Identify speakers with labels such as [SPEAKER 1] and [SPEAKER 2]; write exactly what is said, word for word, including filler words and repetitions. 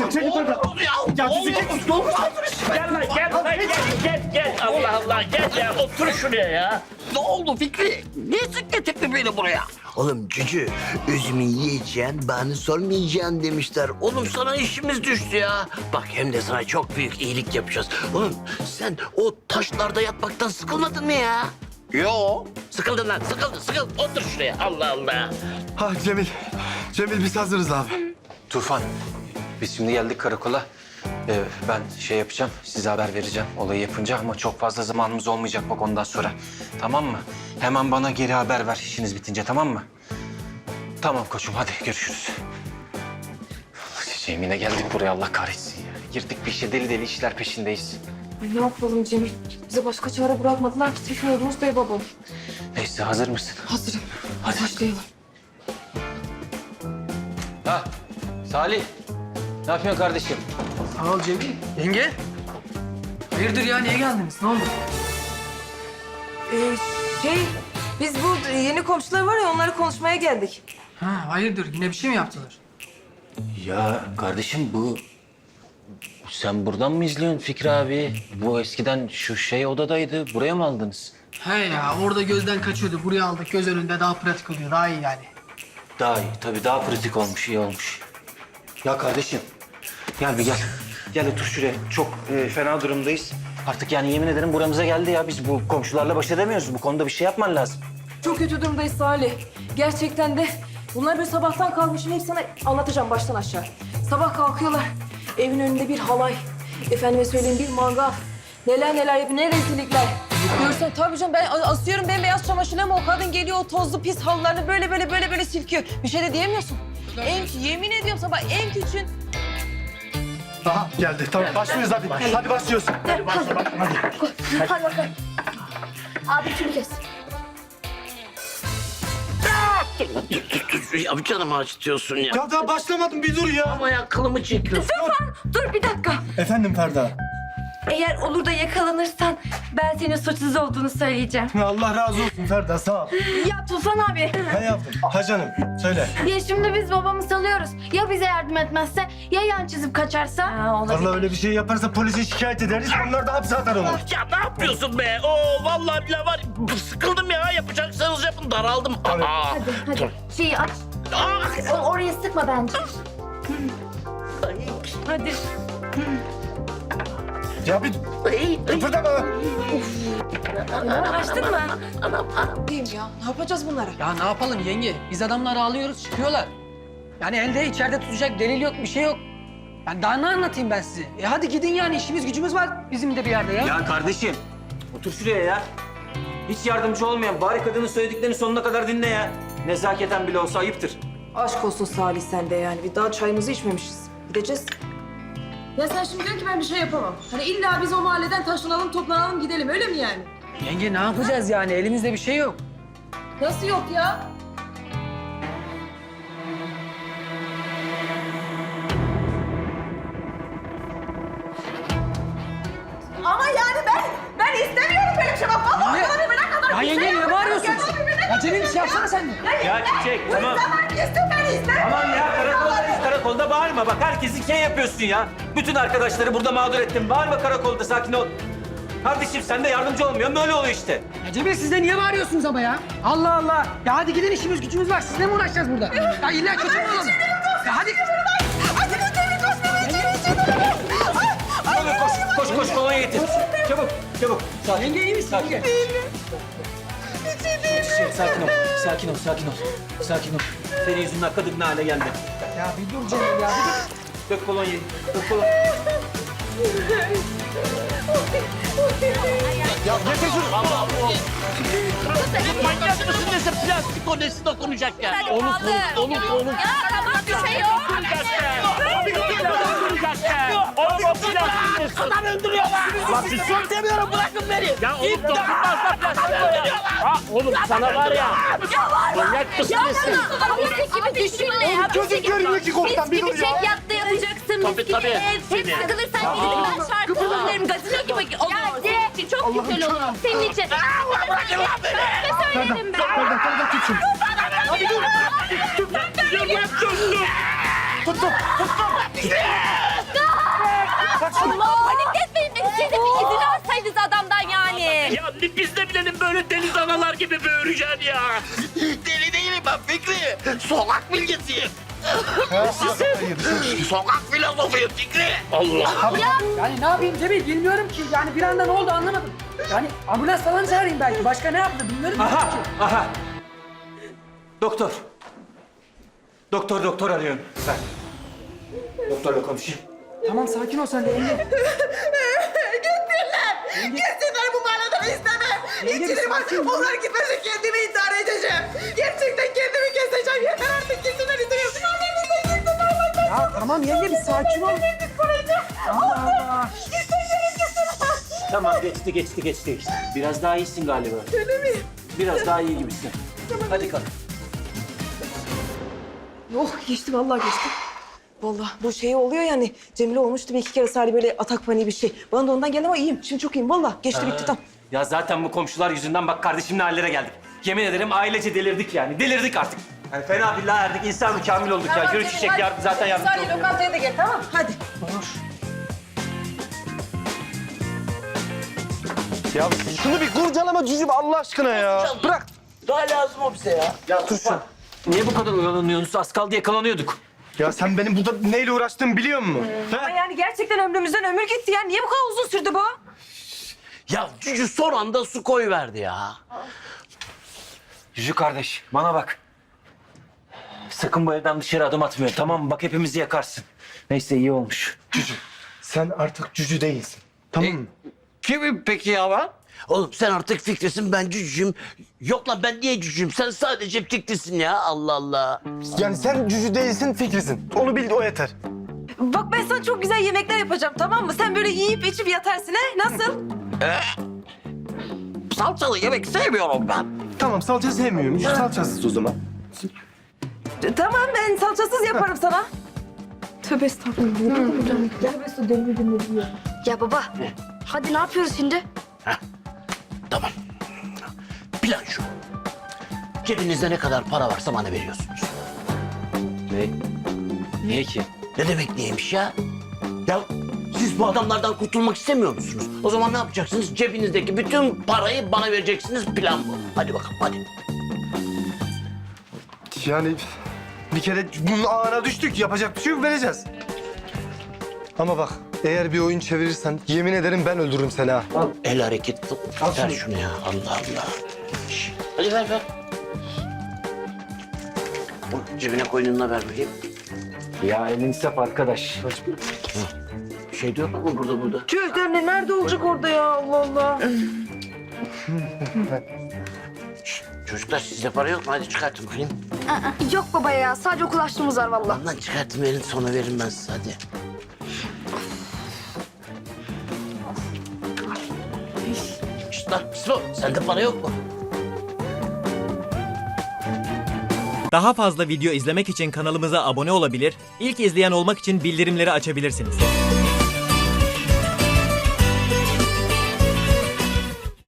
[SPEAKER 1] çekil çekil buradan. Ya bizi çekil.
[SPEAKER 2] Gel lan gel lan gel gel gel. Allah Allah gel ya otur şuraya ya.
[SPEAKER 3] Ne oldu Fikri? Niye sık getirdin beni buraya?
[SPEAKER 4] Oğlum cücü, üzümü yiyeceksin, bana sormayacaksın demişler. Oğlum sana işimiz düştü ya. Bak hem de sana çok büyük iyilik yapacağız. Oğlum sen o taşlarda yatmaktan sıkılmadın mı ya?
[SPEAKER 3] Yo.
[SPEAKER 2] Sıkıldın lan sıkıldın sıkıldın. Otur şuraya Allah Allah.
[SPEAKER 1] Ha Cemil. Cemil biz hazırız abi.
[SPEAKER 5] Tufan, biz şimdi geldik karakola. Ee, ben şey yapacağım, size haber vereceğim olayı yapınca ama çok fazla zamanımız olmayacak bak ondan sonra. Tamam mı? Hemen bana geri haber ver işiniz bitince, tamam mı? Tamam koçum, hadi görüşürüz. Cemile geldik buraya, Allah kahretsin ya. Girdik bir işe, deli deli işler peşindeyiz.
[SPEAKER 6] Ay ne yapalım Cemil? Bize başka çare bırakmadılar ki Tefin Yunus Bey babam.
[SPEAKER 5] Neyse, hazır mısın?
[SPEAKER 6] Hazırım. Hadi başlayalım.
[SPEAKER 5] Ha, Salih. Ne yapıyorsun kardeşim?
[SPEAKER 7] Sağ ol Cemil. Yenge. Hayırdır ya, niye geldiniz? Ne oldu?
[SPEAKER 6] Ee, şey, biz bu yeni komşular var ya onları konuşmaya geldik.
[SPEAKER 7] Ha, hayırdır? Yine bir şey mi yaptılar?
[SPEAKER 5] Ya kardeşim bu... Sen buradan mı izliyorsun Fikri abi? Bu eskiden şu şey odadaydı. Buraya mı aldınız?
[SPEAKER 7] He ya, orada gözden kaçıyordu. Buraya aldık, göz önünde daha pratik oluyor. Daha iyi yani.
[SPEAKER 5] Daha iyi. Tabii daha pratik olmuş, iyi olmuş. Ya kardeşim, gel bir gel. Gel otur şuraya. Çok e, fena durumdayız. Artık yani yemin ederim buramıza geldi ya. Biz bu komşularla baş edemiyoruz. Bu konuda bir şey yapman lazım.
[SPEAKER 6] Çok kötü durumdayız Salih. Gerçekten de bunlar böyle sabahtan kalkmışım. Hep sana anlatacağım baştan aşağı. Sabah kalkıyorlar. Evin önünde bir halay. Efendime söyleyeyim bir mangal. Neler neler yapıyor, ne rezillikler. Görsen tabii canım ben asıyorum bembeyaz çamaşırı ama o kadın geliyor o tozlu pis halılarını böyle böyle böyle böyle silkiyor. Bir şey de diyemiyorsun. En, yemin ediyorum sabah en küçüğün...
[SPEAKER 1] Aha geldi. Tamam başlıyoruz hadi. Hadi başlıyoruz.
[SPEAKER 6] Hadi başla hadi. Hadi bakalım. Abi şunu kes.
[SPEAKER 2] Dur dur dur ya canımı acıtıyorsun ya.
[SPEAKER 1] Ya daha başlamadım bir dur ya.
[SPEAKER 2] Ama ya kılımı çekiyorsun.
[SPEAKER 6] Dur bir dakika.
[SPEAKER 1] Efendim Ferda.
[SPEAKER 6] Eğer olur da yakalanırsan ben senin suçsuz olduğunu söyleyeceğim.
[SPEAKER 1] Allah razı olsun Ferda sağ ol.
[SPEAKER 6] Ya Tufan abi.
[SPEAKER 1] Ne yaptın? Ha canım söyle.
[SPEAKER 8] Ya şimdi biz babamı salıyoruz. Ya bize yardım etmezse? Ya yan çizip kaçarsa?
[SPEAKER 6] Ha,
[SPEAKER 1] Vallahi öyle bir şey yaparsa polise şikayet ederiz. Onlar da hapse atar onu.
[SPEAKER 2] Ya ne yapıyorsun be? Oo vallahi bile var. Sıkıldım ya. Yapacaksanız yapın. Daraldım. Aa.
[SPEAKER 8] Hadi hadi şeyi aç.
[SPEAKER 2] Ah!
[SPEAKER 8] O- Oraya sıkma bence.
[SPEAKER 6] hadi.
[SPEAKER 1] Ya bir kıpırdama.
[SPEAKER 6] Açtın mı? Diyeyim ya. Ne yapacağız bunlara?
[SPEAKER 7] Ya ne yapalım yenge? Biz adamları alıyoruz, çıkıyorlar. Yani elde içeride tutacak delil yok, bir şey yok. Ben daha ne anlatayım ben size? E hadi gidin yani, işimiz gücümüz var bizim de bir yerde ya.
[SPEAKER 5] Ya kardeşim, otur şuraya ya. Hiç yardımcı olmayan bari kadının söylediklerini sonuna kadar dinle ya. Nezaketen bile olsa ayıptır.
[SPEAKER 6] Aşk olsun Salih sen de yani. Bir daha çayımızı içmemişiz. Gideceğiz. Ya sen şimdi diyorsun ki ben bir şey yapamam. Hani illa biz o mahalleden taşınalım, toplanalım, gidelim. Öyle mi yani?
[SPEAKER 7] Yenge ne yapacağız yani? Elimizde bir şey yok.
[SPEAKER 6] Nasıl yok ya? Ama yani ben, ben istemiyorum böyle bir şey. Bak vallahi
[SPEAKER 7] Niye?
[SPEAKER 6] ömrüme kadar
[SPEAKER 7] Ya
[SPEAKER 6] bir
[SPEAKER 7] yenge
[SPEAKER 6] şey
[SPEAKER 7] niye
[SPEAKER 6] yapmadım.
[SPEAKER 7] bağırıyorsun?
[SPEAKER 6] Ya ömrüme
[SPEAKER 7] Ya Cemil bir şey yapsana sen de.
[SPEAKER 5] Ya Çiçek, tamam.
[SPEAKER 6] kadar istem ben istemiyorum.
[SPEAKER 5] Tamam ya, karakoldayız. Karakolda bağırma. Bak herkesi şey yapıyorsun ya. Bütün arkadaşları burada mağdur ettin. Bağırma karakolda, sakin ol. Kardeşim sen de yardımcı olmuyorsun. Böyle oluyor işte.
[SPEAKER 7] Ya Cemil siz de niye bağırıyorsunuz ama ya? Allah Allah. Ya hadi gidin, işimiz gücümüz var. Sizle mi uğraşacağız burada? Ya illa kötü mü olalım? Ya hadi.
[SPEAKER 5] Hadi koş, koş, koş, kolonya getir. Çabuk, çabuk. Sakin.
[SPEAKER 7] Yenge iyi misin?
[SPEAKER 5] Sakin.
[SPEAKER 7] Yenge?
[SPEAKER 5] Şey, sakin ol, sakin ol, sakin ol. Sakin ol. Senin yüzünden kadın ne hale geldi.
[SPEAKER 7] Ya bir dur Cemil ya, bir dur.
[SPEAKER 5] Dök kolonyayı, dök kolonyayı.
[SPEAKER 1] Ya getir şunu.
[SPEAKER 2] Manyak mısın neyse plastik o nesi dokunacak ya. Onu onu onu onu.
[SPEAKER 8] Ya tamam bir şey yok.
[SPEAKER 2] Oğlum o plastik nesi? Adam öldürüyorlar. Lan bir sus demiyorum bırakın beni. Ya oğlum dokunmaz da plastik o ya. Ha oğlum sana var ya. Manyak mısın nesi?
[SPEAKER 8] Mis gibi düşünme ya.
[SPEAKER 1] Çocuk görmüyor ki korktan, bir
[SPEAKER 8] Mis
[SPEAKER 1] dur
[SPEAKER 8] gibi
[SPEAKER 1] ya.
[SPEAKER 8] çek yatta yapacaksın.
[SPEAKER 2] Tabii,
[SPEAKER 8] Mis gibi
[SPEAKER 2] tabii.
[SPEAKER 8] ev. Hep sıkılırsan gidip ben şarkı söylerim. Gazino gibi olur. Ya de, çok güzel olur. Senin için.
[SPEAKER 2] Bırakın lan beni.
[SPEAKER 8] Ne söylerim ben?
[SPEAKER 1] Ferda Ferda tut şunu.
[SPEAKER 2] Hadi dur. Dur yapıyorsun.
[SPEAKER 1] tuttum.
[SPEAKER 8] Allah panik etmeyin de siz de bir izin alsaydınız adamdan yani.
[SPEAKER 2] Ya biz de bilelim böyle deniz analar gibi böğüreceksin ya.
[SPEAKER 3] Deli değilim ben Fikri. Sokak bilgisiyim.
[SPEAKER 1] Hayır.
[SPEAKER 3] Sokak filozofuyum Fikri.
[SPEAKER 2] Allah.
[SPEAKER 7] Yani ne yapayım Cemil bilmiyorum ki. Yani bir anda ne oldu anlamadım. Yani ambulans falan çağırayım belki. Başka ne yaptı bilmiyorum ki.
[SPEAKER 5] Aha, aha. Doktor. Doktor, doktor arıyorum. Ben. Doktorla konuşayım.
[SPEAKER 7] Tamam sakin ol sen de Engin.
[SPEAKER 9] Gitsinler bu manadan istemem. İçini bak. Onlar gitmese kendimi intihar edeceğim. Gerçekten kendimi keseceğim. Yeter artık gitsinler istemiyorum. Onlardan gitsinler.
[SPEAKER 7] Ya tamam yenge bir sakin ol. Allah Allah.
[SPEAKER 2] Tamam geçti geçti geçti. Biraz daha iyisin galiba. Öyle mi? Biraz daha iyi gibisin. Hadi kalk.
[SPEAKER 6] Oh geçti vallahi geçti. Vallahi bu şey oluyor yani. Cemile olmuştu bir iki kere Salih böyle atak paniği bir şey. Bana da ondan geldi ama iyiyim. Şimdi çok iyiyim vallahi. Geçti bitti tamam.
[SPEAKER 5] Ya zaten bu komşular yüzünden bak kardeşimle hallere geldik. Yemin ederim ailece delirdik yani. Delirdik artık. Yani fena billah erdik. İnsan kamil olduk ya. Yürü çiçek yardım, zaten yardımcı
[SPEAKER 6] Salih
[SPEAKER 5] oluyor.
[SPEAKER 6] lokantaya da gel tamam hadi.
[SPEAKER 1] Ya şunu bir kurcalama cücüm Allah aşkına ya. Bırak.
[SPEAKER 3] Daha lazım o bize ya.
[SPEAKER 1] Ya dur sen.
[SPEAKER 5] Niye bu kadar oyalanıyorsunuz? Az kaldı yakalanıyorduk.
[SPEAKER 1] Ya sen benim burada neyle uğraştığımı biliyor musun?
[SPEAKER 6] Ama
[SPEAKER 1] He?
[SPEAKER 6] yani gerçekten ömrümüzden ömür gitti ya. Niye bu kadar uzun sürdü bu?
[SPEAKER 3] Ya cücü son anda su koyuverdi ya.
[SPEAKER 5] Yüzü kardeş, bana bak. Sakın bu evden dışarı adım atmıyor, tamam mı? Bak hepimizi yakarsın. Neyse iyi olmuş.
[SPEAKER 1] Cücü. Sen artık cücü değilsin. Tamam mı?
[SPEAKER 3] Kimim peki ya ben? Oğlum sen artık Fikri'sin ben cücüğüm. Yok lan ben niye cücüğüm? Sen sadece Fikri'sin ya Allah Allah.
[SPEAKER 1] Yani sen cücü değilsin Fikri'sin. Onu bil o yeter.
[SPEAKER 6] Bak ben sana çok güzel yemekler yapacağım tamam mı? Sen böyle yiyip içip yatarsın he? Nasıl?
[SPEAKER 3] Salçalı yemek sevmiyorum ben.
[SPEAKER 1] Tamam salça sevmiyorum. Cücü salçasız o zaman.
[SPEAKER 6] E, Tamam ben salçasız yaparım sana. Tövbe estağfurullah. Tövbe estağfurullah.
[SPEAKER 8] Ya baba hadi ne yapıyoruz şimdi?
[SPEAKER 3] Tamam. Plan şu. Cebinizde ne kadar para varsa bana veriyorsunuz.
[SPEAKER 5] Ne? Niye ki?
[SPEAKER 3] Ne demek neymiş ya? Ya siz bu adamlardan kurtulmak istemiyor musunuz? O zaman ne yapacaksınız? Cebinizdeki bütün parayı bana vereceksiniz. Plan bu. Hadi bakalım hadi.
[SPEAKER 1] Yani bir kere bunun ağına düştük. Yapacak bir şey yok vereceğiz. Ama bak eğer bir oyun çevirirsen yemin ederim ben öldürürüm seni ha.
[SPEAKER 3] El hareketi. Ver şunu ya. Allah Allah. Şş, hadi ver ver. O cebine koynunla ver bakayım.
[SPEAKER 5] Ya elin saf arkadaş.
[SPEAKER 3] Bir şey de yok mu burada burada?
[SPEAKER 6] Tüh Demle nerede olacak orada ya Allah Allah.
[SPEAKER 3] Çocuklar sizde para yok mu? Hadi çıkartın bakayım.
[SPEAKER 8] Yok baba ya sadece okul açlığımız var vallahi.
[SPEAKER 3] Lan lan çıkartın verin sonra veririm ben size hadi. Şşt lan Slo sende para yok mu?
[SPEAKER 10] Daha fazla video izlemek için kanalımıza abone olabilir, ilk izleyen olmak için bildirimleri açabilirsiniz.